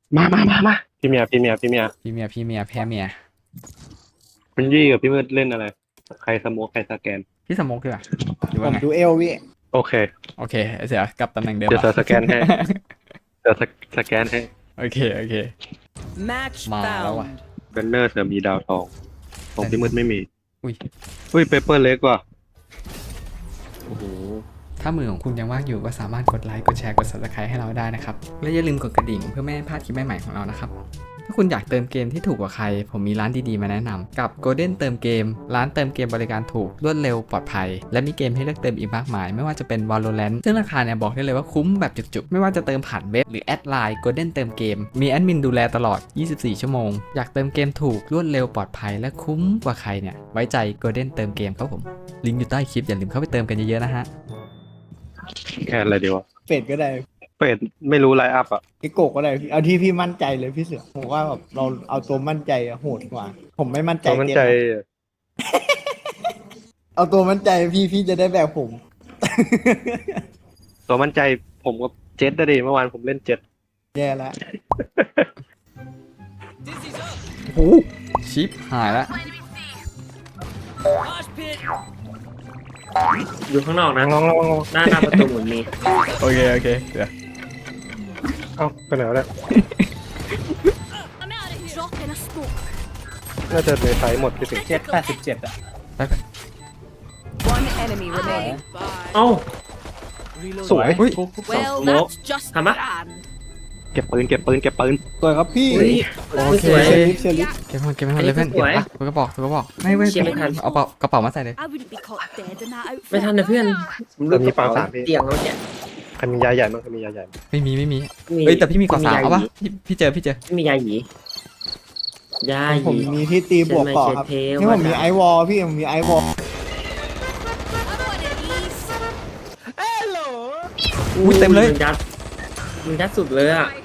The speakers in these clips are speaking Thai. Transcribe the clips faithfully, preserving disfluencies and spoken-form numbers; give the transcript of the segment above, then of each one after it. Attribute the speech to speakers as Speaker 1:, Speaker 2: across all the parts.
Speaker 1: มามามามาพี่เมียพี่เมียพี่เมีย
Speaker 2: พี่เมียพี่เมียแพ้เมีย
Speaker 1: คุณยี่กับพี่มืดเล่นอะไรใครสโมกใครสแกน
Speaker 2: พี่สมกดีกว่าหรือ
Speaker 3: ผ
Speaker 2: ว่า
Speaker 3: ม
Speaker 2: ไง
Speaker 3: ดูเอลพี่
Speaker 1: โอเค
Speaker 2: โอเคเสียกลับตำแหน่งเดิม
Speaker 1: เดี๋ยว
Speaker 2: อะ
Speaker 1: สแกนให้เดี๋ยวสแกนให้
Speaker 2: โอเคโอเค
Speaker 4: Match
Speaker 2: มาแล้วว่ะ
Speaker 4: found.
Speaker 1: เบนเนอร์เสือมีดาวทองของพี่มืดไม่มี
Speaker 2: อุ้ย
Speaker 1: อุ้ยเปเปอร์เล็กว่ะโอ้โห
Speaker 2: ถ้ามือของคุณยังว่างอยู่ก็สามารถกดไลค์กดแชร์กด ซับสไครบ์ ให้เราได้นะครับและอย่าลืมกดกระดิ่งเพื่อไม่ให้พลาดคลิปใหม่ๆของเรานะครับถ้าคุณอยากเติมเกมที่ถูกกว่าใครผมมีร้านดีๆมาแนะนำกับ Golden เติมเกมร้านเติมเกมบริการถูกรวดเร็วปลอดภัยและมีเกมให้เลือกเติมอีกมากมายไม่ว่าจะเป็น Valorant ซึ่งราคาเนี่ยบอกได้เลยว่าคุ้มแบบจุกๆไม่ว่าจะเติมผ่านเว็บหรือแอดไลน์ Golden เติมเกมมีแอดมินดูแลตลอดยี่สิบสี่ชั่วโมงอยากเติมเกมถูกรวดเร็วปลอดภัยและคุ้มกว่าใครเนี่ยไว้ใจ Golden เติมเกมครับผมลิงก์อยู่ใต้คลิปอย่าลืมเข้าไปเติมกันเยอะๆนะฮะ
Speaker 1: แค่อะไรดีวะ
Speaker 3: เป็ดก็ได้
Speaker 1: เป็ดไม่รู้ไลน์อัพอ่ะ
Speaker 3: ไอโกกก็ได้พี่เอาที่พี่มั่นใจเลยพี่เสือผมว่าแบบเราเอาตัวมั่นใจอะโหดกว่า ผมไม่มั่นใจ
Speaker 1: ตัวมั่นใจ
Speaker 3: เกมเอาตัวมั่นใจพี่พี่จะได้แบบผม
Speaker 1: ตัวมั่นใจผมกับเจ็ดได้ดิเมื่อวานผมเล่นเจ็ด
Speaker 3: แย่แล้ว
Speaker 2: โอ้โหชิปหายแล้ว
Speaker 4: Mosh pit.
Speaker 5: อยู่ข้างนอกนะ
Speaker 1: งองงองง
Speaker 5: หน้าหน้าประตูเหมือนมี
Speaker 2: โอเคโอเคเดี๋ยว
Speaker 1: เอ้าไปไหนวะเนี่ย
Speaker 4: I'm out of here. Drop in a smoke.
Speaker 1: น่าจะในไซส์หมดพี่สิ
Speaker 3: เจ็ดแปดสิบเจ็ดอะ
Speaker 2: ไปไป
Speaker 4: One enemy remaining.
Speaker 5: เอ้า
Speaker 1: สวย
Speaker 2: อุ้ย
Speaker 4: Well,
Speaker 5: Smoke.
Speaker 4: that's just
Speaker 5: Come on.
Speaker 4: grand.
Speaker 1: เก็บปืนเก็บปืนเก็บปืน
Speaker 3: สวยครับพี่
Speaker 5: อุ้ย
Speaker 2: โอเค
Speaker 5: สวย
Speaker 3: เชลิฟเชลิฟ
Speaker 2: เก็บมันเก็บมันเลยเพื่อน
Speaker 5: สวย
Speaker 2: เก็บปะถือกระบอกถือกระบอกไม่ไม่
Speaker 5: เชี่ยไม่ทัน
Speaker 2: เอาเป๋ากระเป๋ามาใส่เลย
Speaker 4: I wouldn't be caught dead in that outfit.
Speaker 5: ไม่ทันนะเพื่อนผม
Speaker 1: เรามีปลาสามพี่
Speaker 5: เตียงแล้วเนี่ย
Speaker 1: ใครมียาใหญ่มั้งใครมียาใหญ่มั้ง
Speaker 2: ไม่มีไม่มี
Speaker 5: มี
Speaker 2: เอ้ยแต่พี่มีกอสาม
Speaker 5: ย
Speaker 2: เอาปะ
Speaker 5: หยี
Speaker 2: พี่พี่เจอพี่เจอ
Speaker 5: ไม่มียาหยียาห
Speaker 3: ผม
Speaker 5: ยี
Speaker 3: มีที่ตีบวกต่อครับ
Speaker 5: เทวดา
Speaker 3: ที่ผมมีไอวอลพี่ผมมีไอวอล
Speaker 4: I'm one of these.
Speaker 2: อุ้ยเต็มเลย
Speaker 5: นยัดมันยัดสุดเลยอ่ะ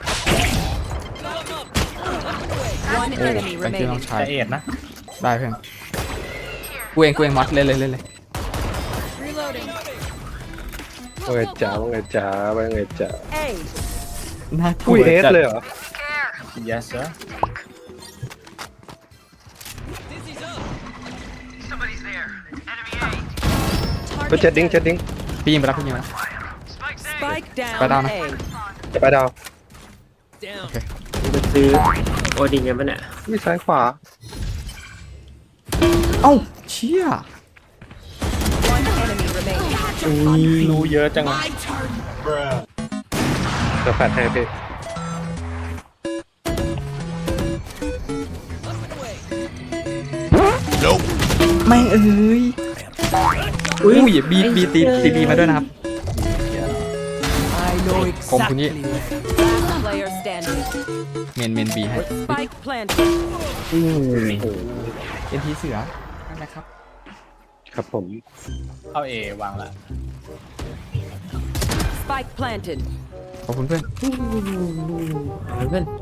Speaker 4: One
Speaker 2: โอ้
Speaker 4: enemy
Speaker 2: ไปที่น้อง
Speaker 4: remaining.
Speaker 2: ชาย
Speaker 3: ละเอียดนะ
Speaker 2: ได้เพื่อนกูเองกูเองมัดเล่นเลยเล่นเลย
Speaker 4: Reloading.
Speaker 1: ว่าไงจ๋าว่าไงจ๋าว่าไงจ๋า
Speaker 4: A.
Speaker 2: น่ากลั
Speaker 1: อุ้
Speaker 2: วย
Speaker 1: เอส
Speaker 2: จัด
Speaker 1: เลยเหรอ
Speaker 3: yes sir
Speaker 1: ก็เจ็ดดิ้งเจ็ดดิ้ง
Speaker 2: พี่ยิงไปแล้วพี่ยิงไปแล้ว
Speaker 4: Spike down.
Speaker 2: Right down.
Speaker 4: A.
Speaker 1: จะไปดาว
Speaker 5: มันจะซื้อโอดินกันปะเนี่ย
Speaker 1: มีซ้ายขวา
Speaker 2: เอ้าเชี่ย
Speaker 4: One enemy remaining.
Speaker 3: รู้เยอะจัง
Speaker 4: My turn.
Speaker 1: เดี๋ยวแฟดให้พี่
Speaker 2: ไม่เอ้ย
Speaker 5: อุ้ย
Speaker 2: อุ้ยบีบีตีตีบีมาด้วยนะครับ
Speaker 4: I know
Speaker 2: ผมคุณยี่
Speaker 4: Last player standing.
Speaker 2: เมนเมนบีให้
Speaker 4: Spike planted.
Speaker 2: เอ็นทีเสือนั่นแหละครับ
Speaker 1: ครับผม
Speaker 3: เข้าเอวางละ
Speaker 4: Spike planted.
Speaker 2: ขอบคุณเพื่อน
Speaker 5: เพื่อน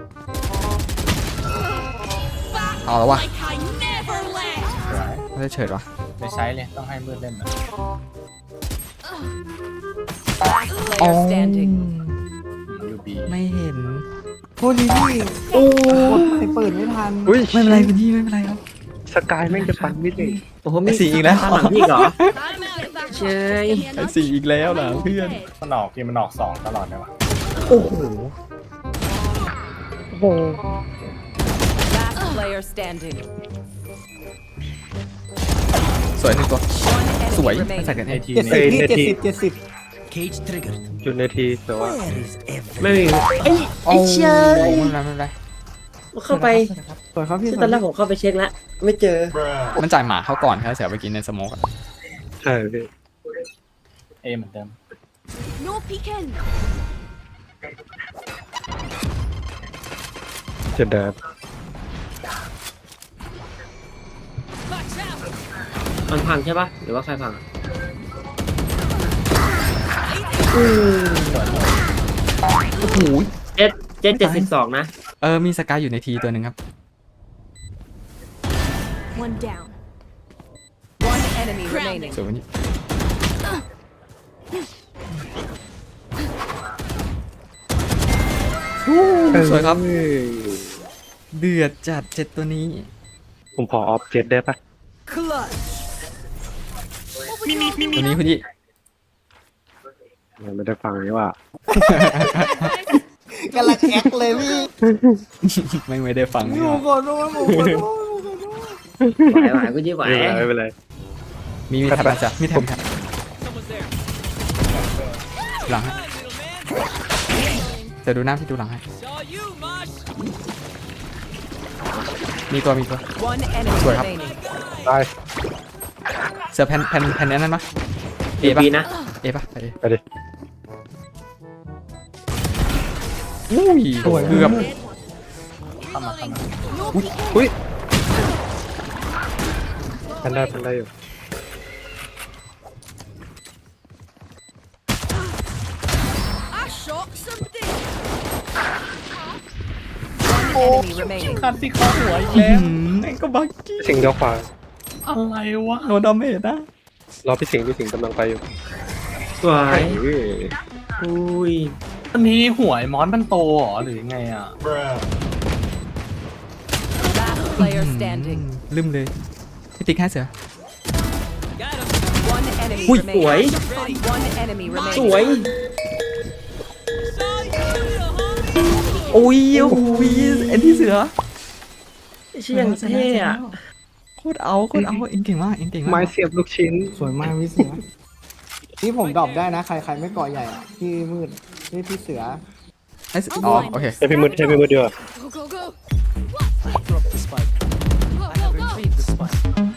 Speaker 2: เอาแล้ววะ
Speaker 4: Like I never left.
Speaker 2: ไม่ได้เฉิดวะ
Speaker 3: ไม่ใช้เลยต้องให้มืดเล่นนะ
Speaker 4: Last player standing.
Speaker 3: ยูบี
Speaker 2: ไม่เห็น
Speaker 3: โทษดีพี่โอ้ยเปิดไม่ทัน
Speaker 1: อุ้ย
Speaker 2: ไม่เป็นไรคุณยี่ไม่เป็นไรครับ
Speaker 1: สกายแม่งจะปันมิดเลย
Speaker 5: โอ้โหมี
Speaker 2: ไอ้สีอีกแล้ว
Speaker 5: ตามหลังพี่เหรอ
Speaker 4: I'm out of that.
Speaker 5: เชย
Speaker 2: ไอ้สี่อีกแล้วเหรอเพื่อน
Speaker 3: มันออกพี่มันออกสองตลอดเลยวะ
Speaker 2: โอ้โห
Speaker 4: Last player standing.
Speaker 2: สวยหนึ่งตัว
Speaker 4: One
Speaker 2: สวย
Speaker 4: enemy
Speaker 2: ไม่ใส่
Speaker 4: remaining.
Speaker 2: กันเอที
Speaker 3: เจ็ดสิบพี่เจ็ดสิบเจ็ดสิบ
Speaker 1: จุดในทีแต่ว่า
Speaker 5: ไม่มี
Speaker 2: ไอ้เชี่ยไม่เป็นไรไม่เป็นไร
Speaker 5: เข้าไป
Speaker 3: สวยครับพี่
Speaker 5: ตอนแรกผมเข้าไปเช็คแล้วไม่เจอ
Speaker 2: มันจ่ายหมาเขาก่อนแค่เสียไปกินในสโมกอะ
Speaker 1: ใช่พี่
Speaker 3: เอเหมือนเดิม
Speaker 4: No peeking.
Speaker 1: จะเดิน
Speaker 5: มันพังใช่ปะหรือว่าใครพังอะ
Speaker 2: โอ้โห
Speaker 5: เจ็ดเจ็ดเจ็ดสิบสองนะ
Speaker 2: เออมีสกายอยู่ในทีตัวหนึ่งครับ
Speaker 4: One down. One enemy remaining.
Speaker 2: สวยวันนี้สวยครับ เดือดจัดเจ็ดตัวนี้
Speaker 1: ผมขอออฟเจ็ดได้ปะ
Speaker 2: ตัวนี้คุณยี่
Speaker 1: ไม่ได้ฟังนี่ว่า
Speaker 3: กำลังแอคเลยพี่
Speaker 2: ไม่ไม่ได้ฟัง
Speaker 3: ห
Speaker 2: นี่
Speaker 3: นู
Speaker 2: หรอ
Speaker 3: ขอโทษหนูขอโทษหนูขอโทษ
Speaker 5: ไหวไหวกูยี่ไหว
Speaker 1: ไม่เป็นไรไม่เป็นไร
Speaker 2: มีมีแท็บจ้ะมีแท็บแท็บ
Speaker 5: Someone's there.
Speaker 2: หลังให้
Speaker 5: Little man.
Speaker 2: จะดูหน้าพี่ดูหลังให้
Speaker 5: Saw you, Mosh.
Speaker 2: มีตัวมีตัว
Speaker 6: One enemy
Speaker 2: Sorry, hap.
Speaker 6: remaining.
Speaker 1: ได้
Speaker 2: เสือแผ่นแผ่นแผ่นนั้นปะเอ
Speaker 5: เอ
Speaker 2: ปะ
Speaker 5: บีนะ
Speaker 2: เอปะไปดิ
Speaker 1: ไปดิ
Speaker 2: อุ้ยเกือบ
Speaker 1: อุ้ยพันได้พันได้อยู่
Speaker 4: I shot somebody.
Speaker 6: Enemy remaining.
Speaker 3: คันที่เข้าหัวอีกแล้ว
Speaker 2: ไอ้ก็บักกี้
Speaker 1: พี่สิงห์เดี๋ยวขวา
Speaker 3: อะไรวะ
Speaker 2: โดนดาเมจนะ
Speaker 1: รอพี่สิงห์พี่สิงห์กำลังไปอยู่
Speaker 5: สวย
Speaker 1: เฮ้ย
Speaker 5: อุ้ย
Speaker 7: อันนี้หัวไอ้มอนมันโตเหรอหรือยังไงอ่ะ
Speaker 6: Last player standing.
Speaker 2: ลืมเลยพี่ติ๊กให้เสือ
Speaker 5: Got him.
Speaker 6: One enemy
Speaker 5: อุ้ยสวย
Speaker 6: remaining. One enemy
Speaker 5: สวย
Speaker 6: remaining.
Speaker 5: Saw you, little homie.
Speaker 2: โอ้ยโอ้ยเอ็นที่เสือ
Speaker 5: เชี่ยงเท่อะ
Speaker 2: โคตรเอาโคตรเอาเอ็งเก่งมากเอ็งเก่งมาก
Speaker 1: ไม้เสียบลูกชิ้น
Speaker 3: สวยมากพี่เสือนี่ผมดรอปได้นะใครใครไม่เกาะใหญ่อะพี่มืดนี่พี่เสือ
Speaker 2: ไอ้เสืออ๋อโอเค
Speaker 1: ให้พี่มืดให้พี่มืดดีกว่า
Speaker 4: Go, go, go.
Speaker 7: Drop the spike.
Speaker 4: Go,
Speaker 7: I have
Speaker 4: go, go.
Speaker 7: retrieved the spike.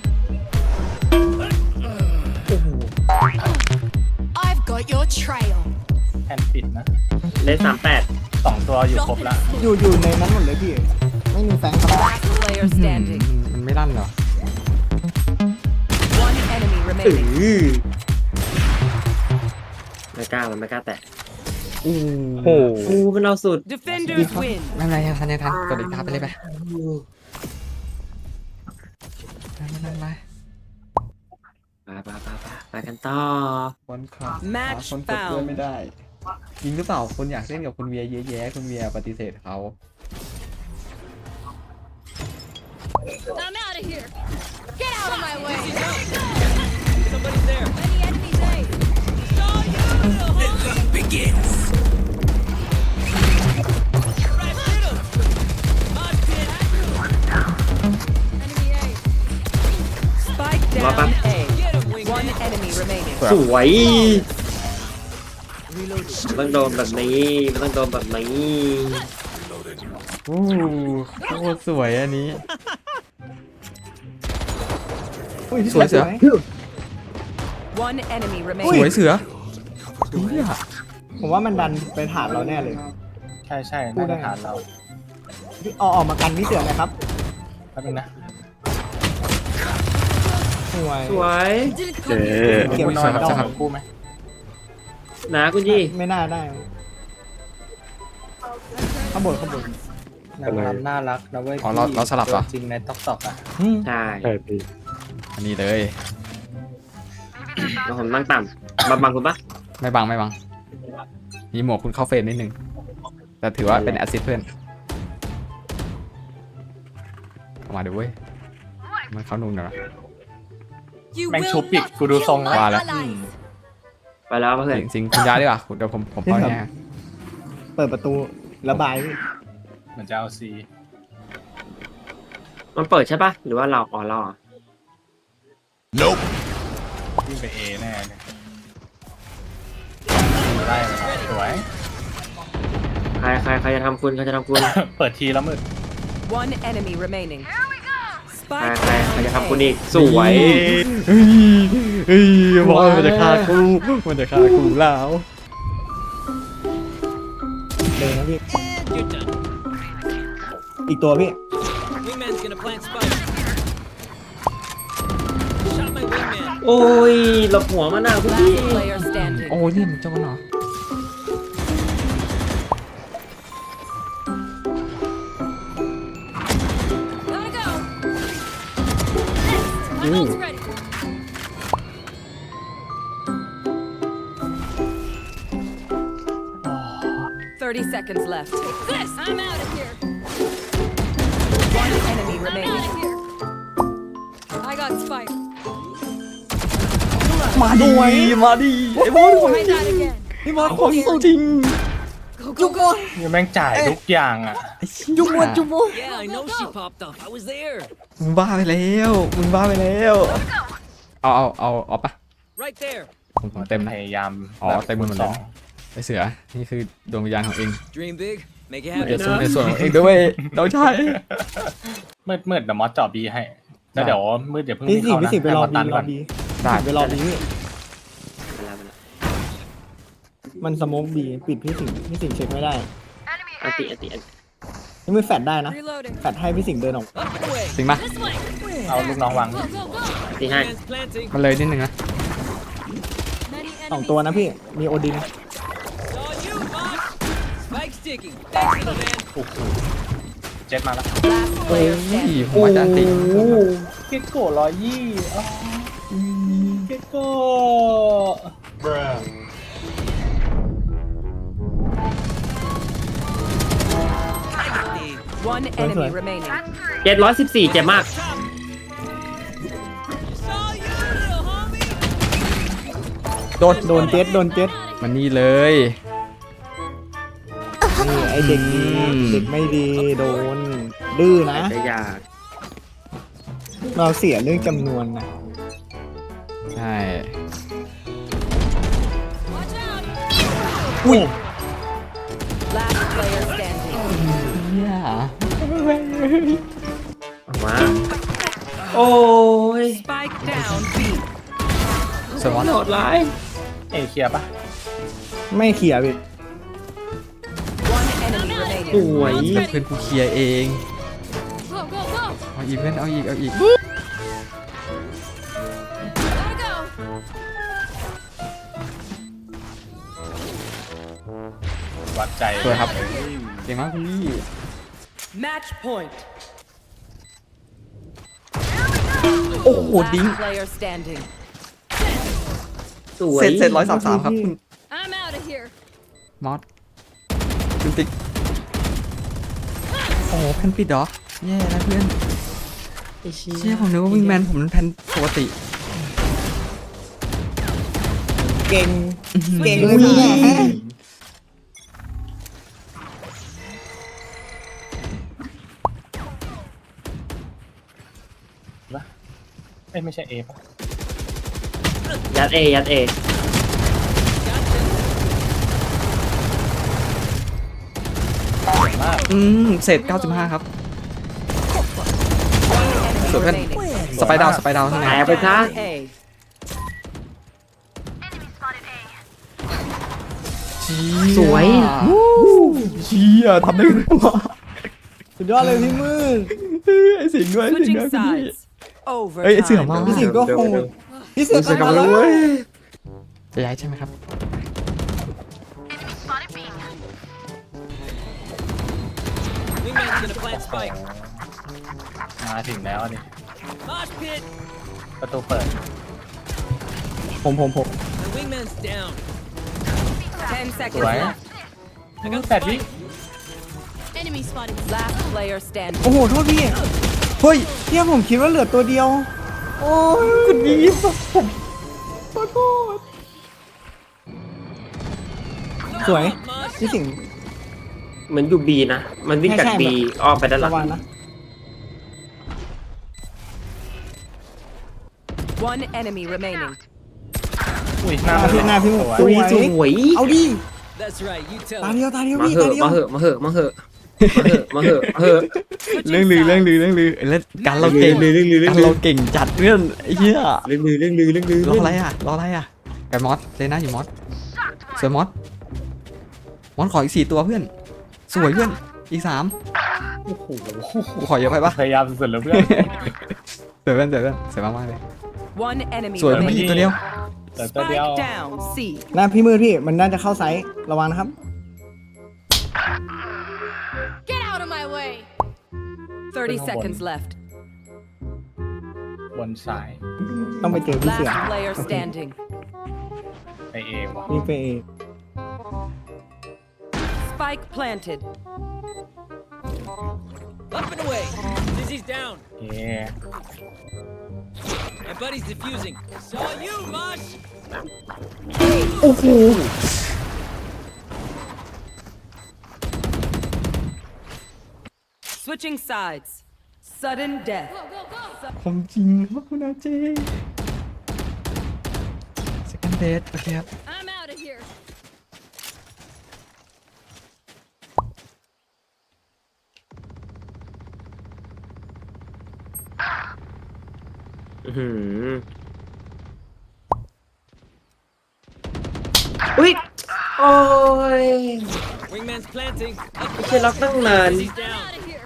Speaker 4: I've got your trail.
Speaker 7: แผ่นปิดนะ
Speaker 5: เลนสามแปด
Speaker 7: สองตัวอยู่ครบ
Speaker 4: Drop
Speaker 7: ละ
Speaker 4: it.
Speaker 3: อยู่อยู่ในนั้นหมดเลยพี่ ไม่มีแฟงครับ
Speaker 6: Last player standing.
Speaker 2: มันไม่ลั่นเหรอ
Speaker 6: One enemy
Speaker 5: อื
Speaker 6: remaining.
Speaker 5: อไม่กล้ามันไม่กล้าแตะ
Speaker 2: อู้
Speaker 1: โอ้โห
Speaker 5: กูมันเอาสุด
Speaker 6: Defenders win.
Speaker 2: ไม่เป็นไรยังทันยังทันกดอีกตาไปเลยไปไม่เป็นไรไม่เป็นไร
Speaker 5: ไปไปไปไปไปกันต่อ
Speaker 2: วันคลับ
Speaker 6: Match
Speaker 2: คนกดด้วย
Speaker 6: found.
Speaker 2: ไม่ได้จริงหรือเปล่าคุณอยากเล่นกับคุณเวียเยอะแยะคุณเวียปฏิเสธเขา
Speaker 4: I'm out of here. Get out of my way.
Speaker 5: Somebody's there.
Speaker 4: Any enemies, eh?
Speaker 5: Saw you, little homie. Begins. Right, hit him. Mosh pit.
Speaker 4: Enemy, eh?
Speaker 6: Spike
Speaker 5: What
Speaker 6: down
Speaker 5: happened?
Speaker 6: A.
Speaker 5: Get him,
Speaker 6: One
Speaker 5: wingman.
Speaker 6: enemy remaining.
Speaker 5: สวยมันต้องโดนแบบนี้มันต้องโดนแบบนี้
Speaker 2: อู้โคตรสวยอันนี้
Speaker 3: อุ้ย
Speaker 2: สวยเสือ
Speaker 6: One enemy
Speaker 2: ส
Speaker 6: remaining.
Speaker 2: วยเสือเฮีย
Speaker 3: ผมว่ามันดันไปฐานเราแน่เลย
Speaker 7: ใช่ใช่น่าจะฐานเรา
Speaker 3: พี่เอาออกมากันพี่เสือหนะครับ
Speaker 7: แป๊บนึงนะ
Speaker 3: สวย
Speaker 5: สวย
Speaker 4: Didn't
Speaker 1: เจ๊
Speaker 4: come.
Speaker 3: เก็บ
Speaker 7: กูนอน
Speaker 3: ส
Speaker 7: กับ
Speaker 3: อง
Speaker 7: สองคู่ไหม
Speaker 5: นะคุณยี่
Speaker 3: ไม่น่าได้ข้างบนข้างบน
Speaker 7: นางรำน่ารักนะเว้ย
Speaker 2: อ๋อเราเราสลับเหรอ
Speaker 7: จริงในต๊อกต็อกอ่ะ
Speaker 5: ใช่
Speaker 1: ใช่พี่
Speaker 2: อันนี้เลย
Speaker 5: แล้วผมนั่งต่ำมาบังคุณปะ
Speaker 2: ไม่บังไม่บังมีหมวกคุณเข้าเฟรมนิดนึงแต่ถือว่าเป็นแอสซิสต์เพื่อนเข้ามาดูเว้ยมันเข้านุ่งหน่อย
Speaker 4: You
Speaker 7: แม่ง
Speaker 4: will
Speaker 7: ชุบอีก
Speaker 4: not
Speaker 7: กูดูทรง
Speaker 4: kill
Speaker 7: แล้ว
Speaker 4: my
Speaker 2: ว่าแล้ว
Speaker 4: allies.
Speaker 5: ไปแล้วเพื่อน
Speaker 2: จริงๆคุณย้ายดีกว่าเดี๋ยวผมผมเข้าแน่
Speaker 3: เปิดประตูระบายพี่
Speaker 7: เหมือนจะเอาซี
Speaker 5: มันเปิดใช่ปะหรือว่าเราอ๋อเราอ่ะ
Speaker 7: วิ่งไปเอแน่เลยได้เลยครับสวย
Speaker 5: ใครใครใครจะทำคุณใครจะทำคุณ
Speaker 7: เปิดทีแล้วมืด
Speaker 6: One enemy remaining.
Speaker 5: ใคร
Speaker 6: Spike
Speaker 5: ใครใคร
Speaker 6: down
Speaker 5: จะทำคุณ
Speaker 6: A.
Speaker 5: อีกสวย
Speaker 2: เฮ้ยเฮ้ยบอกว่ามันจะฆ่ากูมันจะฆ่ากูแล้ว
Speaker 3: เลยนะพี่
Speaker 5: You're done.
Speaker 3: อีกตัวพี่
Speaker 5: Wingman's gonna plant spike. Shot my wingman. โอ้ยหลบหัวมันอ่ะคุณพี่
Speaker 6: Last player standing.
Speaker 2: โอ้ยนี่มันเจ้ากันเหรอ
Speaker 4: Gotta go. Next. My ult's ready.
Speaker 6: Thirty seconds left.
Speaker 4: This! I'm out of here.
Speaker 6: One enemy
Speaker 4: I'm
Speaker 6: remaining.
Speaker 4: out of here. I got spike.
Speaker 2: มาดีมาดีไอ้บอสของ
Speaker 4: Try that again.
Speaker 3: พี่บอส
Speaker 2: ของจริง
Speaker 4: Go, go, go.
Speaker 7: นี่แม่งจ่ายทุกอย่างอ่ะ
Speaker 3: จุ๊บมดจุ๊บมด
Speaker 5: Yeah, I know she popped up. I was there.
Speaker 2: มึงบ้าไปแล้วมึงบ้าไปแล้วเอาเอาเอาเอาปะ
Speaker 5: Right there.
Speaker 2: ผมผมเต็ม
Speaker 7: พ
Speaker 2: นะ
Speaker 7: ยายาม
Speaker 2: อ๋อเต็มหมดเลย
Speaker 7: สอง
Speaker 2: ไอเสือนี่คือดวงวิญญาณของเอง
Speaker 5: Dream big. Make it
Speaker 2: เดี๋ยว
Speaker 5: happen.
Speaker 2: ส่วนในส่วนของเองด้วยน้องชาย
Speaker 7: มืดมืดเดี๋ยวมอสเจาะบีให้ แล้วเดี๋ยวมืดเดี๋ยวเพิ่ง
Speaker 3: พี่
Speaker 7: วิ่ง
Speaker 3: สิ
Speaker 7: เข้า
Speaker 3: พี่
Speaker 7: นะ
Speaker 3: สิไปรอ
Speaker 7: ให้
Speaker 3: บี
Speaker 7: ม
Speaker 3: ร
Speaker 7: อ
Speaker 3: อ
Speaker 7: สตัน
Speaker 3: บี
Speaker 7: ก่อน
Speaker 3: ไปรอบีพี่มันสโมกบีปิดพี่สิงห์พี่สิงห์เช็คไม่ได้
Speaker 8: อันติอันติอันติ
Speaker 3: นี่มือแฟดได้นะ
Speaker 4: Reloading.
Speaker 3: แฟดให้พี่สิงห์เดินออก
Speaker 5: Up and away.
Speaker 2: จริงปะ
Speaker 4: This way.
Speaker 7: เอาลูกน้องวาง
Speaker 4: Go, go, go.
Speaker 8: อันติให้
Speaker 5: Man's planting.
Speaker 2: มันเลยนิดนึงนะ
Speaker 4: Many
Speaker 3: สอง
Speaker 4: enemies.
Speaker 3: ตัวนะพี่ มีโอดิน
Speaker 5: Saw you, boss. Spike sticky. Thanks, little man.
Speaker 7: โอ้โหเจ็ดมาแล้ว
Speaker 6: Last player
Speaker 2: นี่
Speaker 6: standing.
Speaker 2: ผมว่าจะอันติ
Speaker 7: เกโก้ร้อยยี่เกโก้
Speaker 6: One enemy remaining.
Speaker 8: เจ็ดร้อยสิบสี่เจ็บมาก
Speaker 5: Saw you, little homie.
Speaker 2: โดน
Speaker 3: โดนเจ็ดโดนเจ็ด
Speaker 2: มันนี่เลย
Speaker 3: นี่ไอเด็กดี
Speaker 2: อืม
Speaker 3: เด็กไม่ดีโดน ดื้อนะ
Speaker 8: จะอยาก
Speaker 3: เราเสียเรื่องจำนวนนะ
Speaker 2: ใช่
Speaker 4: Watch out.
Speaker 3: อุ้ย
Speaker 6: Last player standing.
Speaker 2: เนี่ย
Speaker 8: มา โอ้ย
Speaker 6: Spike down B.
Speaker 2: สวัส
Speaker 8: โห
Speaker 2: ดี
Speaker 8: ดร้าย
Speaker 7: เอเคลียร์ปะ
Speaker 3: ไม่เขียร์พี่
Speaker 6: One enemy remaining.
Speaker 8: สวย
Speaker 2: เพื่อนกูเคลียร์เอง
Speaker 4: Go, go, go.
Speaker 2: เอาอีกเพื่อนเอาอีกเอาอีก
Speaker 4: Gotta go.
Speaker 7: วัดใจ
Speaker 2: สวยครับเก่งมากคุณพี่
Speaker 6: Match point.
Speaker 2: โอ้โหดิ้ง
Speaker 6: Last player standing.
Speaker 8: สวย
Speaker 2: เสร็จเสร็จร้อยสามสามครับคุณ
Speaker 4: I'm out of here.
Speaker 2: มอสคุณติ๊กโอ้โหแผ่นปิดเหรอแย่แล้วเพื่อน
Speaker 8: ไอ้เชี่ย
Speaker 2: เชี่ยผมนึกว่าวิงแมนผมมันแผ่นปกติ
Speaker 3: เก่ง เก่ง
Speaker 2: อุ้
Speaker 3: เลย ย
Speaker 7: ปะเอ้ยไม่ใช่เอปะ
Speaker 8: ยัดเอยัดเอ
Speaker 7: มาก
Speaker 2: อืมเศษเก้าสิบห้าครับ
Speaker 6: Enemy
Speaker 2: Sure.
Speaker 6: remaining.
Speaker 2: สไปดาวสไปดาวทั้ง
Speaker 8: แต
Speaker 2: นั้น
Speaker 8: กไปซะ
Speaker 6: A.
Speaker 8: สวย
Speaker 2: เชี่ยทำได้ไงวะ
Speaker 3: สุดยอดเลยพี่มืด
Speaker 2: ไอ้สิงห์ด้วยไอ้สิง
Speaker 6: Switching
Speaker 2: ห์ด้วยคุณพี่
Speaker 6: sides. Over.
Speaker 2: เอ้ยไอ้เสือมา
Speaker 3: พี่สิงห์ก็โหดพี่เสือ
Speaker 2: เสือกลับมาแล้วเว้ยจะย้ายใช่ไหมครับ
Speaker 5: Wingman's gonna plant spike.
Speaker 7: มาถึงแล้วนี่
Speaker 5: Mosh pit.
Speaker 7: ประตูเปิด
Speaker 3: ผมผมผม
Speaker 5: My wingman's down.
Speaker 6: Ten
Speaker 7: ส
Speaker 6: seconds
Speaker 7: วย
Speaker 6: left.
Speaker 5: I got
Speaker 7: แปดวิ
Speaker 5: spike.
Speaker 4: Enemy spotted.
Speaker 6: Last player standing.
Speaker 3: โอ้โห โทษพี่
Speaker 2: เฮ้ย
Speaker 3: เที่ยผมคิดว่าเหลือตัวเดียว โอ้ย
Speaker 2: คุณพี่ผมขอโทษ
Speaker 3: สวย
Speaker 5: Mosh.
Speaker 3: พี่สิงห์
Speaker 8: เหมือนอยู่บีนะ มันวิ่งจาก
Speaker 3: ใช่ใช่
Speaker 8: บีอ้อมไปด้านหลั
Speaker 3: ระ
Speaker 8: ง
Speaker 3: วังนะ
Speaker 6: One enemy remaining.
Speaker 7: อุ้ยห
Speaker 3: ห
Speaker 7: น้า
Speaker 3: น้าพี่หน้าพี่หมด
Speaker 7: ส
Speaker 3: ส
Speaker 7: ว
Speaker 3: วย ย
Speaker 8: สวย
Speaker 3: เอาดิ
Speaker 5: That's right. You tell
Speaker 3: ตา
Speaker 5: him.
Speaker 3: เดียวตาเดียว
Speaker 8: มา
Speaker 3: พี่
Speaker 8: เห
Speaker 3: ตา
Speaker 8: อะ
Speaker 3: เดียว
Speaker 8: มาเหอะมาเหอะมาเหอะมาเหอะมาเหอะมาเหอะ
Speaker 2: เรื่องลือเรื่องลือเรื่องลือแล้วการเราเก่ง
Speaker 8: เรื่องลือเรื่องลือ
Speaker 2: การเราเก่งจัดเรื่องไอ้เหี้ย
Speaker 8: เรื่องลือเรื่องลือเรื่องลือ
Speaker 2: รออะไรอ่ะรออะไรอ่ะไก่มอสเลน่าอยู่มอสสวยมอสมอสขออีกสี่ตัวเพื่อน สวยเพื่อนอีกสาม
Speaker 7: โอ้โห
Speaker 2: กูขอเยอะไปปะ
Speaker 7: พยายามสุดๆแล้วเพื่อน
Speaker 2: สวยเพื่อนสวยเพื่อนสวยมากๆเลย
Speaker 6: One enemy
Speaker 2: สวย
Speaker 7: ไม่
Speaker 2: พี่
Speaker 6: remaining.
Speaker 2: ตัวเดียว
Speaker 7: แต่ตัวเดียว
Speaker 6: Spike down. C.
Speaker 3: หน้าพี่มืดพี่ มันน่าจะเข้าไซส์ระวังนะครับ
Speaker 4: Get out of my way.
Speaker 6: Thirty
Speaker 7: Come on.
Speaker 6: seconds left.
Speaker 7: บนสาย
Speaker 3: ต้องไปเจอพี่เสือ
Speaker 6: Last player standing.
Speaker 7: ไปเอวะ
Speaker 3: นี่ไปเอง
Speaker 6: Spike planted.
Speaker 5: Up and away. Dizzy's down.
Speaker 7: โอเค
Speaker 5: My buddy's defusing. Saw you, Mosh.
Speaker 2: โอ้โห
Speaker 6: Switching sides. Sudden death.
Speaker 4: Go, go, go!
Speaker 2: ผมจริงครับคุณอาเจสแกนเดทโอเคครับ
Speaker 4: I'm out of here.
Speaker 8: อื้อหืออุ้ย โอ้ย
Speaker 5: Wingman's planting. Up
Speaker 8: ไม่ใช่ล็อกตั้งนาน
Speaker 5: Dizzy's
Speaker 4: I'm
Speaker 5: down.
Speaker 4: out of here.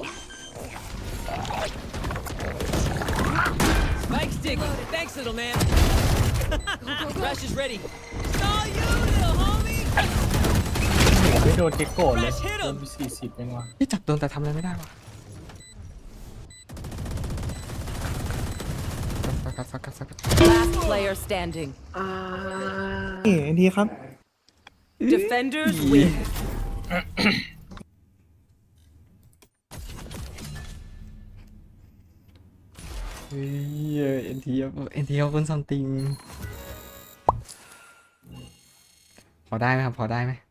Speaker 5: Spike's digging. Thanks, little man. Crash is ready. Saw you, little homie.
Speaker 7: ไม่โดนเก็กโกะเลย
Speaker 5: Crash hit
Speaker 7: โด
Speaker 5: him.
Speaker 7: นไปสี่สิบเองว่ะ
Speaker 2: ที่จับโดนแต่ทำอะไรไม่ได้วะฟักกัดฟักกัดฟักกัด
Speaker 6: Last player standing.
Speaker 3: เอ๋ทีครับ
Speaker 6: Defenders win.
Speaker 2: เฮ้ยเอ็นทีเอ็นทีเขาเป็นซัมติงพอได้ไหมครับ พอได้ไหม